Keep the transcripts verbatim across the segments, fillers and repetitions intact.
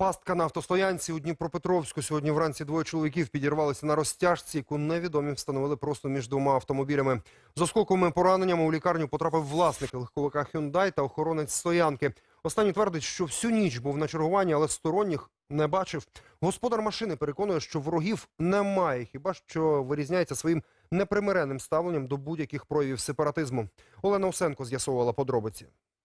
Пастка на автостоянці у Дніпропетровську. Сьогодні вранці двоє чоловіків підірвалися на розтяжці, яку невідомі встановили просто між двома автомобілями. З осколковими пораненнями у лікарню потрапив власник легковика Hyundai та охоронець стоянки. Останній твердить, що всю ніч був на чергуванні, але сторонніх не бачив. Господар машини переконує, що ворогів немає, хіба що вирізняється своїм непримиренним ставленням до будь-яких проявів сепаратизму. Олена Усенко з'ясовувала подробиці.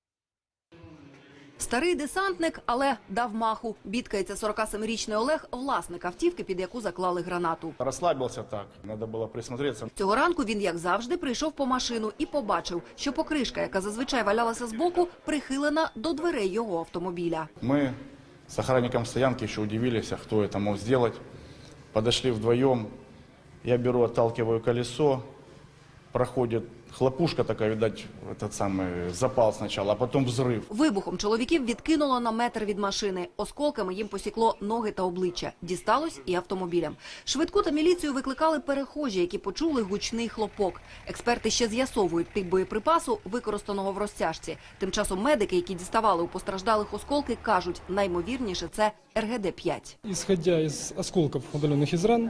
Старий десантник, але дав маху. Бідкається сорокасемирічний Олег, власник автівки, під яку заклали гранату. Розслабився так, треба було присмотреться. Цього ранку він, як завжди, прийшов по машину і побачив, що покришка, яка зазвичай валялася збоку, прихилена до дверей його автомобіля. Ми з охранником стоянки ще удивилися, хто це мог зробити. Подошли вдвоєм, я беру, отталкиваю колесо, проходить хлопушка така, видать, этот самый запал спочатку, а потім взрив. Вибухом чоловіків відкинуло на метр від машини. Осколками їм посікло ноги та обличчя. Дісталось і автомобілям. Швидку та міліцію викликали перехожі, які почули гучний хлопок. Експерти ще з'ясовують тип боєприпасу, використаного в розтяжці. Тим часом медики, які діставали у постраждалих осколки, кажуть, наймовірніше це ер ге де п'ять. Исходя из осколков, удаленных из ран,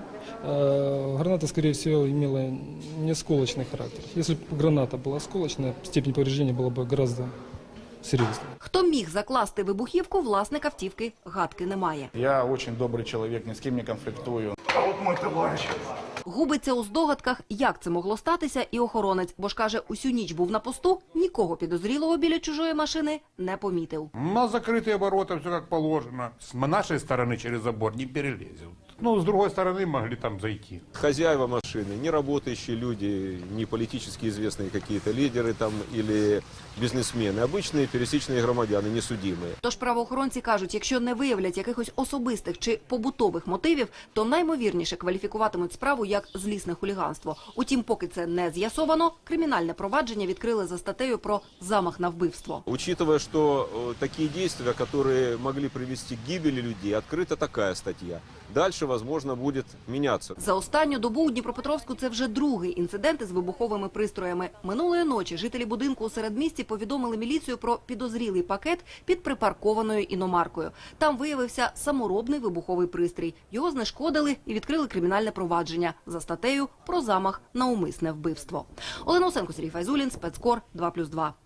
граната, скорее всего, имела не осколочный характер. Если бы граната была осколочная, степень повреждения была бы гораздо серьезнее. Хто міг закласти вибухівку, власник автівки гадки немає. Я дуже добрий чоловік, ні з ким не конфліктую. А от мій товариш. Губиться у здогадках, як це могло статися, і охоронець, бо ж каже, усю ніч був на посту, нікого підозрілого біля чужої машини не помітив. На закрытые ворота все как положено. С нашей стороны через забор не перелезет. Ну, с другой стороны могли там зайти. Хозяева машины, не работающие люди, не политически известные какие-то лидеры там или бизнесмены, обычные пересечные громадяне, несудимые. Тож правоохоронці кажуть, якщо не виявлять якихось особистих чи побутових мотивів, то наймовірніше кваліфікуватимуть справу як злісне хуліганство. Утім, поки це не з'ясовано, кримінальне провадження відкрили за статтею про замах на вбивство. Учитывая, что э, такие действия, которые могли привести к гибели людей, открыта такая статья. Дальше, возможно, будет меняться. За останню добу у Дніпропетровську це вже другий інцидент із вибуховими пристроями. Минулої ночі жителі будинку у середмісті повідомили міліцію про підозрілий пакет під припаркованою іномаркою. Там виявився саморобний вибуховий пристрій. Його знешкодили і відкрили кримінальне провадження за статтею про замах на умисне вбивство. Олена Усенко, Сергій Файзулін, Спецкор, два плюс два.